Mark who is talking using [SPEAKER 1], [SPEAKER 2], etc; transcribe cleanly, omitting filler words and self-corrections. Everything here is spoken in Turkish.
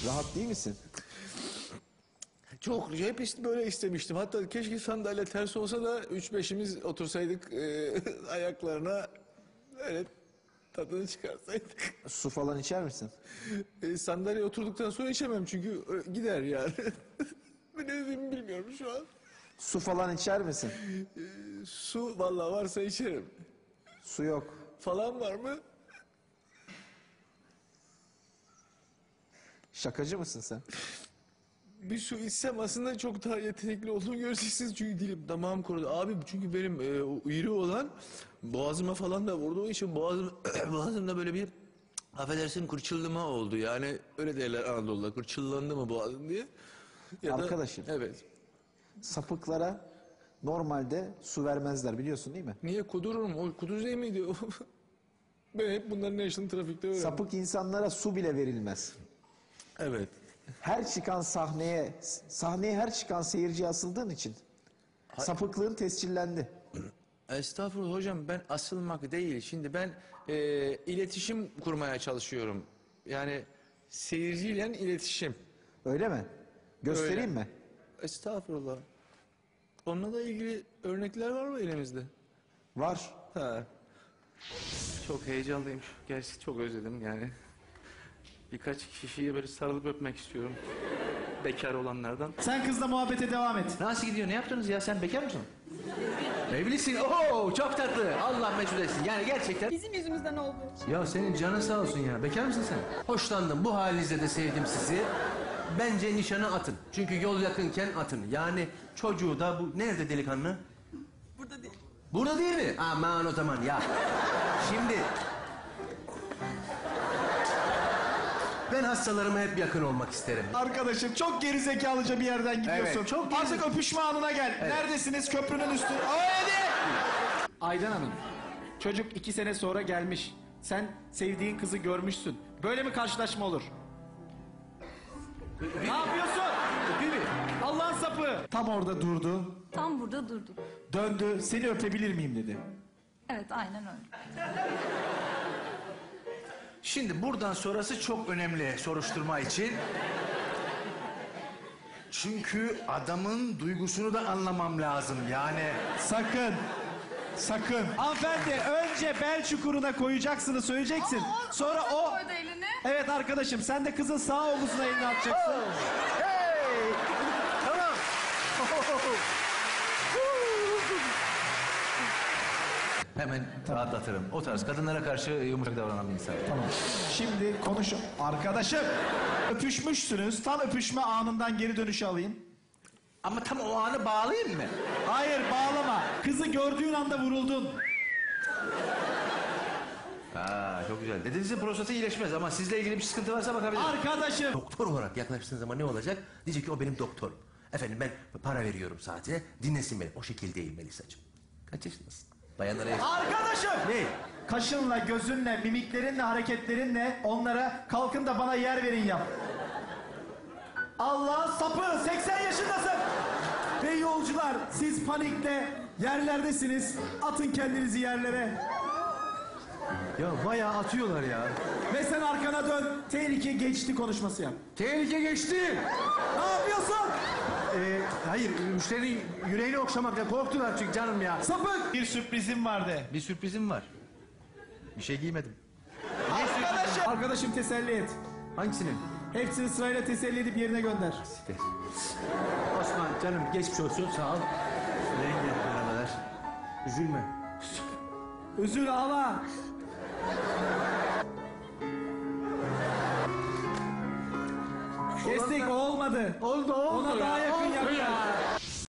[SPEAKER 1] Rahat değil misin?
[SPEAKER 2] Çok hep işte böyle istemiştim. Hatta keşke sandalye ters olsa da 3-5'imiz otursaydık ayaklarına öyle tadını çıkarsaydık.
[SPEAKER 1] Su falan içer misin?
[SPEAKER 2] Sandalye oturduktan sonra içemem çünkü gider yani. Ne dediğimi bilmiyorum şu an.
[SPEAKER 1] Su falan içer misin?
[SPEAKER 2] Su vallahi varsa içerim.
[SPEAKER 1] Su yok.
[SPEAKER 2] Falan var mı?
[SPEAKER 1] Şakacı mısın sen?
[SPEAKER 2] Bir su içsem aslında çok daha yetenekli olduğumu göreceksiniz çünkü dilim damağım kurudu. Abi çünkü benim o iri olan boğazıma falan da vurduğu için boğazımda böyle bir affedersin kırçıllama oldu. Yani öyle derler Anadolu'da kırçıllandı mı boğazın diye. Ya
[SPEAKER 1] Arkadaşım.
[SPEAKER 2] Evet.
[SPEAKER 1] Sapıklara normalde su vermezler biliyorsun değil mi?
[SPEAKER 2] Niye kudururum? O kuduz miydi o? Ben hep bunların yaşını trafikte öğrendim.
[SPEAKER 1] Sapık insanlara su bile verilmez.
[SPEAKER 2] Evet.
[SPEAKER 1] Her çıkan sahneye her çıkan seyirciye asıldığın için sapıklığın tescillendi.
[SPEAKER 2] Estağfurullah hocam ben asılmak değil. Şimdi ben iletişim kurmaya çalışıyorum. Yani seyirciyle iletişim.
[SPEAKER 1] Öyle mi? Göstereyim
[SPEAKER 2] Öyle.
[SPEAKER 1] mi?
[SPEAKER 2] Estağfurullah. Onunla da ilgili örnekler var mı elimizde?
[SPEAKER 1] Var.
[SPEAKER 2] Ha. Çok heyecanlıyım. Gerçi çok özledim yani. Birkaç kişiye böyle sarılıp öpmek istiyorum. Bekar olanlardan.
[SPEAKER 3] Sen kızla muhabbete devam et.
[SPEAKER 4] Nasıl gidiyor? Ne yaptınız ya? Sen bekar mısın? Evlisin. Oo çok tatlı. Allah mesut etsin. Yani gerçekten.
[SPEAKER 5] Bizim yüzümüzden oldu.
[SPEAKER 4] Ya senin canın sağ olsun ya. Bekar mısın sen? Hoşlandım. Bu halinizde de sevdim sizi. Bence nişanı atın. Çünkü yol yakınken atın. Yani çocuğu da bu... Nerede delikanlı?
[SPEAKER 5] Burada değil.
[SPEAKER 4] Burada değil mi? Aman o zaman ya. Şimdi... Ben hastalarıma hep yakın olmak isterim.
[SPEAKER 3] Arkadaşım çok gerizekalıca bir yerden gidiyorsun.
[SPEAKER 4] Evet, çok
[SPEAKER 3] Artık öpüşme anına gel. Neredesiniz? Köprünün üstü. Hadi! Aydan Hanım, çocuk 2 sene sonra gelmiş. Sen sevdiğin kızı görmüşsün. Böyle mi karşılaşma olur? Ne yapıyorsun? Allah'ın sapı. Tam orada durdu.
[SPEAKER 5] Tam burada durduk.
[SPEAKER 3] Döndü. Seni öpebilir miyim dedi.
[SPEAKER 5] Evet aynen öyle.
[SPEAKER 4] Şimdi buradan sonrası çok önemli soruşturma için. Çünkü adamın duygusunu da anlamam lazım yani.
[SPEAKER 3] Sakın. Sakın. Hanımefendi önce bel çukuruna koyacaksını söyleyeceksin. Sonra o...
[SPEAKER 5] Koydu elini.
[SPEAKER 3] Evet arkadaşım sen de kızın sağ omuzuna elini atacaksın.
[SPEAKER 4] Hey! Tamam. Hemen rahatlatırım. O tarz kadınlara karşı yumuşak davranan bir insan.
[SPEAKER 3] Tamam. Şimdi konuş. Arkadaşım öpüşmüşsünüz. Tam öpüşme anından geri dönüşü alayım.
[SPEAKER 4] Ama tam o anı bağlayayım mı?
[SPEAKER 3] Hayır bağlama. Kızı gördüğün anda vuruldun.
[SPEAKER 4] Ha, çok güzel. Dedenizin prostatı iyileşmez ama sizle ilgili bir sıkıntı varsa bakabilirim.
[SPEAKER 3] Arkadaşım.
[SPEAKER 4] Doktor olarak yaklaştığın zaman ne olacak? Diyecek ki o benim doktorum. Efendim ben para veriyorum saatine. Dinlesin beni. O şekil değil Melisa'cığım. Kaç yaşındasın? Bayanlara yaş...
[SPEAKER 3] Arkadaşım.
[SPEAKER 4] Ne?
[SPEAKER 3] Kaşınla, gözünle, mimiklerinle, hareketlerinle onlara kalkın da bana yer verin yap. Allah sapı 80 yaşındasın. Ve yolcular siz panikle yerlerdesiniz. Atın kendinizi yerlere.
[SPEAKER 4] Ya bayağı atıyorlar ya.
[SPEAKER 3] Ve sen arkana dön. Tehlike geçti konuşması yap.
[SPEAKER 4] Tehlike geçti.
[SPEAKER 3] Ne yapıyorsun?
[SPEAKER 4] Hayır, müşterinin yüreğini okşamakla korktular çünkü canım ya.
[SPEAKER 3] Sapık. Bir sürprizim vardı.
[SPEAKER 4] Bir sürprizim var. Bir şey giymedim.
[SPEAKER 3] Arkadaşım teselli et.
[SPEAKER 4] Hangisini?
[SPEAKER 3] Hepsini sırayla teselli edip yerine gönder.
[SPEAKER 4] Osman canım geçmiş olsun sağ ol. Rengi merhabalar. Üzülme.
[SPEAKER 3] Üzül ağla. Kestik olmadı.
[SPEAKER 4] Oldu
[SPEAKER 3] Ona daha yakın yap.